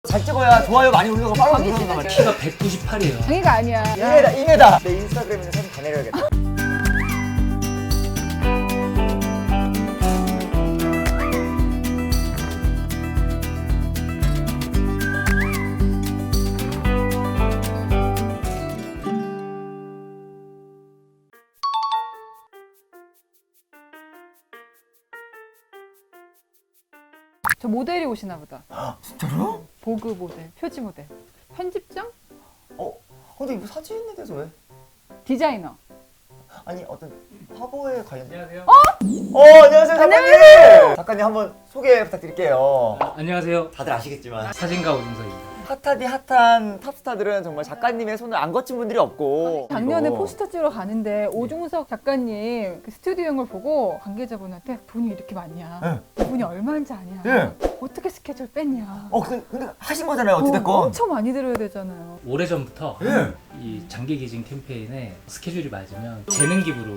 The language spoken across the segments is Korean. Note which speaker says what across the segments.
Speaker 1: 잘 찍어야 좋아요 많이 올리고 팔로우 늘어난단 말이야.
Speaker 2: 키가 198이에요.
Speaker 3: 장애가 아니야.
Speaker 1: 2m. 내 인스타그램에 있는 사진 다 내려야겠다.
Speaker 3: 저 모델이 오시나 보다.
Speaker 1: 진짜로?
Speaker 3: 보그 모델, 표지 모델. 편집장?
Speaker 1: 근데 이거 사진에 대해서 왜?
Speaker 3: 디자이너.
Speaker 1: 아니 어떤 화보에 관련.
Speaker 2: 안녕하세요.
Speaker 1: 안녕하세요 작가님. 작가님 한번 소개 부탁드릴게요.
Speaker 2: 안녕하세요.
Speaker 1: 다들 아시겠지만
Speaker 2: 사진가 오준석입니다.
Speaker 1: 핫하디 핫한 탑스타들은 정말 작가님의 손을 안 거친 분들이 없고.
Speaker 3: 작년에
Speaker 1: 이거.
Speaker 3: 포스터 찍으러 가는데 오중석 작가님 그 스튜디오인 걸 보고 관계자분한테 돈이 이렇게 많냐? 이분이 얼마인지 아냐?
Speaker 1: 네.
Speaker 3: 어떻게 스케줄 뺐냐?
Speaker 1: 근데 하신 거잖아요 어찌됐건.
Speaker 3: 엄청 많이 들어야 되잖아요.
Speaker 2: 오래전부터
Speaker 1: 예.
Speaker 2: 이 장기 기증 캠페인에 스케줄이 맞으면 재능 기부로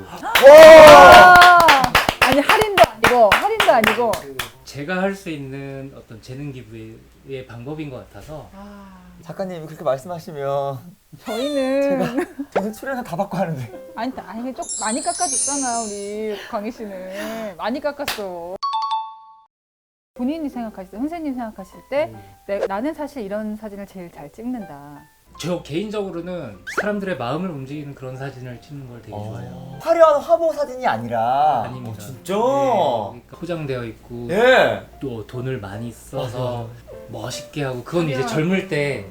Speaker 3: 아니 할인도 아니고.
Speaker 2: 제가 할 수 있는 어떤 재능 기부의 방법인 것 같아서
Speaker 1: 작가님이 그렇게 말씀하시면
Speaker 3: 저희는
Speaker 1: 저는 출연료 다 받고 하는데.
Speaker 3: 아니 좀 많이 깎아줬잖아 우리 광희 씨는 많이 깎았어. 본인이 생각하실 때, 선생님 생각하실 때 나는 사실 이런 사진을 제일 잘 찍는다.
Speaker 2: 저 개인적으로는 사람들의 마음을 움직이는 그런 사진을 찍는 걸 되게 좋아해요.
Speaker 1: 화려한 화보 사진이 아니라.
Speaker 2: 아닙니다.
Speaker 1: 진짜?
Speaker 2: 네, 그러니까 포장되어 있고
Speaker 1: 예.
Speaker 2: 또 돈을 많이 써서 멋있게 하고 그건 이제 젊을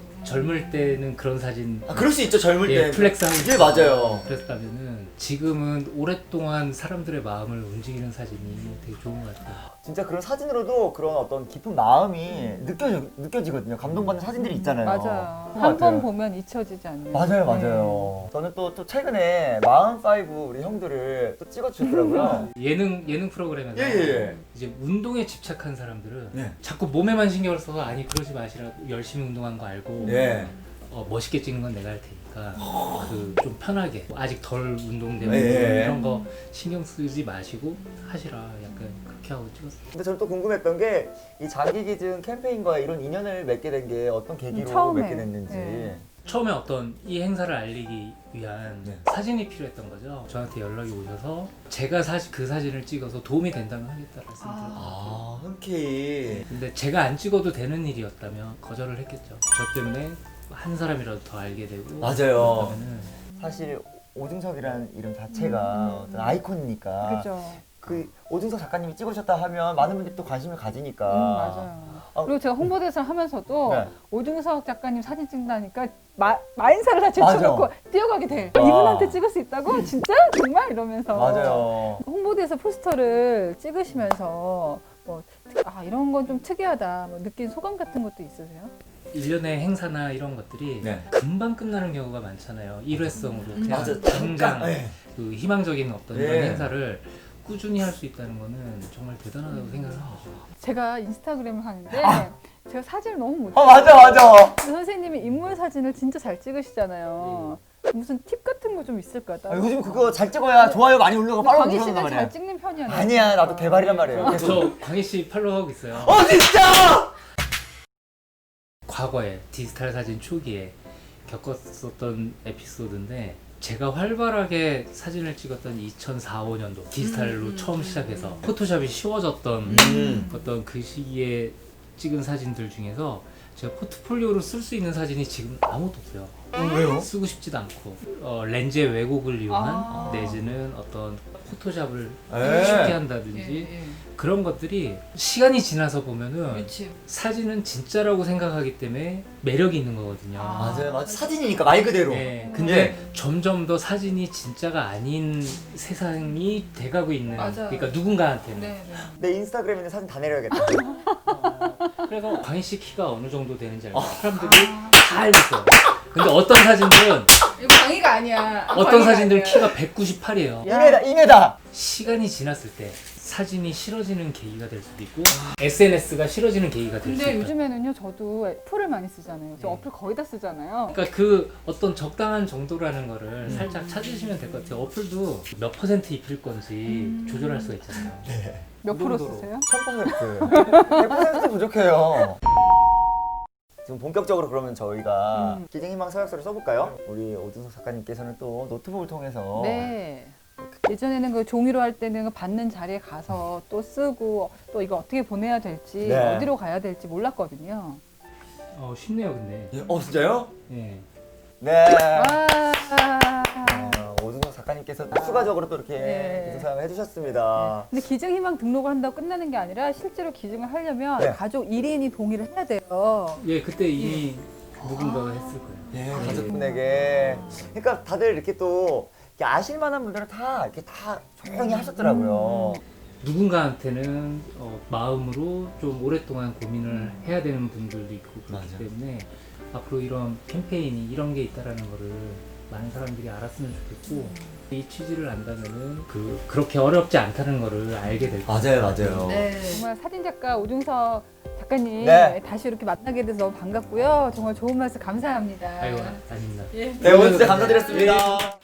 Speaker 2: 때는 그런 사진
Speaker 1: 그럴 수 있죠 젊을 때.
Speaker 2: 플렉스 하고
Speaker 1: 예, 맞아요.
Speaker 2: 그랬다면은 지금은 오랫동안 사람들의 마음을 움직이는 사진이 되게 좋은 것 같아요.
Speaker 1: 진짜 그런 사진으로도 그런 어떤 깊은 마음이 느껴지거든요. 감동받는 사진들이 있잖아요.
Speaker 3: 맞아요.
Speaker 1: 그런 것
Speaker 3: 한 번
Speaker 1: 같아요.
Speaker 3: 보면 잊혀지지 않는.
Speaker 1: 맞아요. 저는 또 최근에 마흔5 우리 형들을 또 찍어주셨더라고요.
Speaker 2: 예능 프로그램에서
Speaker 1: 예.
Speaker 2: 이제 운동에 집착한 사람들은
Speaker 1: 네.
Speaker 2: 자꾸 몸에만 신경을 써서 아니 그러지 마시라 열심히 운동한 거 알고
Speaker 1: 예.
Speaker 2: 멋있게 찍는 건 내가 할 테니까 그 좀 편하게 아직 덜 운동되고
Speaker 1: 예.
Speaker 2: 이런 거 신경 쓰지 마시고 하시라 약간 그렇게 하고 찍었어요.
Speaker 1: 근데 저는 또 궁금했던 게 이 장기기증 캠페인과 이런 인연을 맺게 된 게 어떤 계기로
Speaker 3: 처음에.
Speaker 1: 맺게 됐는지.
Speaker 3: 네.
Speaker 2: 처음에 어떤 이 행사를 알리기 위한
Speaker 1: 네.
Speaker 2: 사진이 필요했던 거죠. 저한테 연락이 오셔서 제가 그 사진을 찍어서 도움이 된다면 하겠다 말씀드렸어요.
Speaker 1: 흔쾌히.
Speaker 2: 근데 제가 안 찍어도 되는 일이었다면 거절을 했겠죠. 저 때문에 한 사람이라도 더 알게 되고
Speaker 1: 맞아요.
Speaker 2: 그러면은
Speaker 1: 사실 오중석이라는 이름 자체가 어떤 아이콘이니까.
Speaker 3: 그렇죠.
Speaker 1: 그 오중석 작가님이 찍으셨다 하면 많은 분들이 또 관심을 가지니까.
Speaker 3: 맞아요. 그리고 제가 홍보대사를 하면서도
Speaker 1: 네.
Speaker 3: 오중석 작가님 사진 찍는다니까 마인사를 다
Speaker 1: 맞아.
Speaker 3: 제쳐놓고 뛰어가게 돼.
Speaker 1: 와.
Speaker 3: 이분한테 찍을 수 있다고? 진짜? 정말? 이러면서.
Speaker 1: 맞아요.
Speaker 3: 홍보대사 포스터를 찍으시면서 이런 건 좀 특이하다. 느낀 소감 같은 것도 있으세요?
Speaker 2: 1년의 행사나 이런 것들이
Speaker 1: 네.
Speaker 2: 금방 끝나는 경우가 많잖아요. 일회성으로 그냥
Speaker 1: 맞아.
Speaker 2: 당장
Speaker 1: 네.
Speaker 2: 그 희망적인 어떤
Speaker 1: 네.
Speaker 2: 이런 행사를 꾸준히 할 수 있다는 거는 정말 대단하다고 생각을 하죠.
Speaker 3: 제가 인스타그램을 하는데 제가 사진을 너무 못
Speaker 1: 맞아.
Speaker 3: 근데 선생님이 인물 사진을 진짜 잘 찍으시잖아요. 무슨 팁 같은 거 좀 있을까?
Speaker 1: 요즘 그거 잘 찍어야 좋아요 많이 올리고 팔로우
Speaker 3: 광희
Speaker 1: 늘어난단
Speaker 3: 씨는
Speaker 1: 말이야.
Speaker 3: 잘 찍는 편이야.
Speaker 1: 아니야, 나도 개발이란 말이에요. 계속.
Speaker 2: 저 광희 씨 팔로우하고 있어요.
Speaker 1: 진짜!
Speaker 2: 과거에 디지털 사진 초기에 겪었었던 에피소드인데 제가 활발하게 사진을 찍었던 2004, 5년도 디지털로 처음 시작해서 포토샵이 쉬워졌던 어떤 그 시기에 찍은 사진들 중에서 제가 포트폴리오로 쓸 수 있는 사진이 지금 아무것도 없어요.
Speaker 1: 왜요?
Speaker 2: 쓰고 싶지도 않고 렌즈의 왜곡을 이용한 내지는 어떤 포토샵을 쉽게 한다든지 그런 것들이 시간이 지나서 보면은 사진은 진짜라고 생각하기 때문에 매력이 있는 거거든요.
Speaker 1: 맞아요. 사진이니까 말 그대로.
Speaker 2: 네, 근데 점점 더 사진이 진짜가 아닌 세상이 돼가고 있는 그러니까 누군가한테는
Speaker 1: 내 인스타그램에 있는 사진 다 내려야겠다.
Speaker 2: 그래서 광희 씨 키가 어느 정도 되는지 알고 사람들이 다 알고 있어요. 근데 어떤 사진들은
Speaker 3: 이거 광희가 아니야.
Speaker 2: 어떤 사진들은 키가 198이에요.
Speaker 1: 2m.
Speaker 2: 시간이 지났을 때 사진이 싫어지는 계기가 될 수도 있고 SNS가 싫어지는 계기가 될 수도
Speaker 3: 근데
Speaker 2: 있고
Speaker 3: 요즘에는 저도 어플을 많이 쓰잖아요. 저 어플 거의 다 쓰잖아요.
Speaker 2: 그러니까 그 어떤 적당한 정도라는 거를 살짝 찾으시면 될 것 같아요. 어플도 몇 퍼센트 입힐 건지 조절할 수가 있잖아요.
Speaker 3: 몇 프로 쓰세요?
Speaker 1: 1000%. 100% 부족해요. 지금 본격적으로 그러면 저희가 기증희망 서약서를 써볼까요? 우리 오준석 작가님께서는 또 노트북을 통해서
Speaker 3: 네. 예전에는 그 종이로 할 때는 그 받는 자리에 가서 또 쓰고 또 이거 어떻게 보내야 될지
Speaker 1: 네.
Speaker 3: 어디로 가야 될지 몰랐거든요.
Speaker 2: 쉽네요, 근데.
Speaker 1: 진짜요?
Speaker 2: 예.
Speaker 1: 네.
Speaker 3: 와.
Speaker 1: 오준석 작가님께서 추가적으로 또 이렇게
Speaker 3: 네.
Speaker 1: 기증 서약을 해주셨습니다.
Speaker 3: 근데 기증희망 등록을 한다고 끝나는 게 아니라 실제로 기증을 하려면
Speaker 1: 네.
Speaker 3: 가족 1인이 동의를 해야 돼요.
Speaker 2: 예, 그때 이미 누군가가 했을 거예요.
Speaker 1: 예, 가족분에게. 그러니까 다들 이렇게 또 이렇게 아실 만한 분들은 다 이렇게 다 조용히 하셨더라고요.
Speaker 2: 누군가한테는 마음으로 좀 오랫동안 고민을 해야 되는 분들도 있고 그렇기
Speaker 1: 맞아.
Speaker 2: 때문에 앞으로 이런 캠페인이 이런 게 있다라는 거를 많은 사람들이 알았으면 좋겠고 이 취지를 안다면은 그렇게 어렵지 않다는 거를 알게 될 거예요.
Speaker 1: 맞아요.
Speaker 3: 네. 정말 사진작가 오중석 작가님
Speaker 1: 네.
Speaker 3: 다시 이렇게 만나게 돼서 너무 반갑고요. 정말 좋은 말씀 감사합니다.
Speaker 2: 아이고, 아닙니다.
Speaker 1: 네, 오늘 진짜 감사드렸습니다.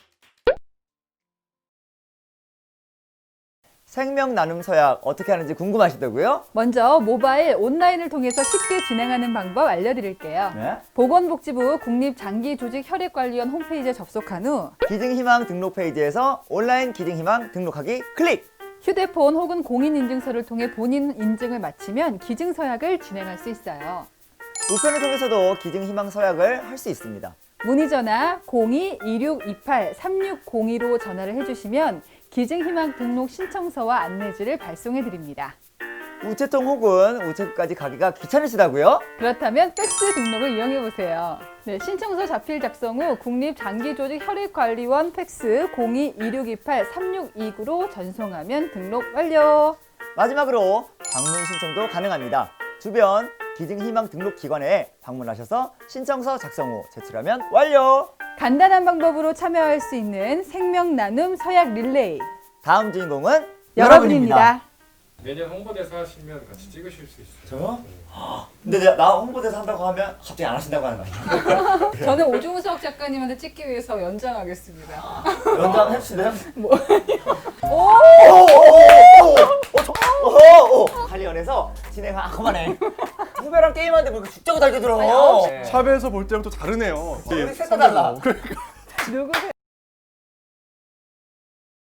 Speaker 1: 생명 나눔 서약 어떻게 하는지 궁금하시다고요?
Speaker 3: 먼저 모바일 온라인을 통해서 쉽게 진행하는 방법 알려드릴게요.
Speaker 1: 네.
Speaker 3: 보건복지부 국립장기조직혈액관리원 홈페이지에 접속한 후
Speaker 1: 기증희망 등록 페이지에서 온라인 기증희망 등록하기 클릭!
Speaker 3: 휴대폰 혹은 공인인증서를 통해 본인 인증을 마치면 기증서약을 진행할 수 있어요.
Speaker 1: 우편을 통해서도 기증희망 서약을 할 수 있습니다.
Speaker 3: 문의전화 02-2628-3602로 전화를 해주시면 기증희망 등록 신청서와 안내지를 발송해드립니다.
Speaker 1: 우체통 혹은 우체국까지 가기가 귀찮으시다고요?
Speaker 3: 그렇다면 팩스 등록을 이용해보세요. 네, 신청서 자필 작성 후 국립장기조직혈액관리원 팩스 02-2628-3629로 전송하면 등록 완료.
Speaker 1: 마지막으로 방문 신청도 가능합니다. 주변 기증희망 등록 기관에 방문하셔서 신청서 작성 후 제출하면 완료!
Speaker 3: 간단한 방법으로 참여할 수 있는 생명 나눔 서약 릴레이.
Speaker 1: 다음 주인공은
Speaker 3: 여러분입니다.
Speaker 4: 내년 홍보대사 하시면 같이 찍으실 수 있어요.
Speaker 1: 저요? 근데 나 홍보대사 한다고 하면 갑자기 안 하신다고 하는 거 아니에요?
Speaker 3: 저는 오중석 작가님한테 찍기 위해서 연장하겠습니다.
Speaker 1: 연장 해주실래요?
Speaker 3: 오!
Speaker 1: 관리원에서 진행한 그만해. 후배랑 게임하는데 뭐 이렇게 죽자고 달게 들어.
Speaker 3: 아니, 아홉 시.
Speaker 1: 네.
Speaker 4: 샵에서 볼 때랑 또 다르네요.
Speaker 1: 우리 셋다 달라.
Speaker 3: 누구세요?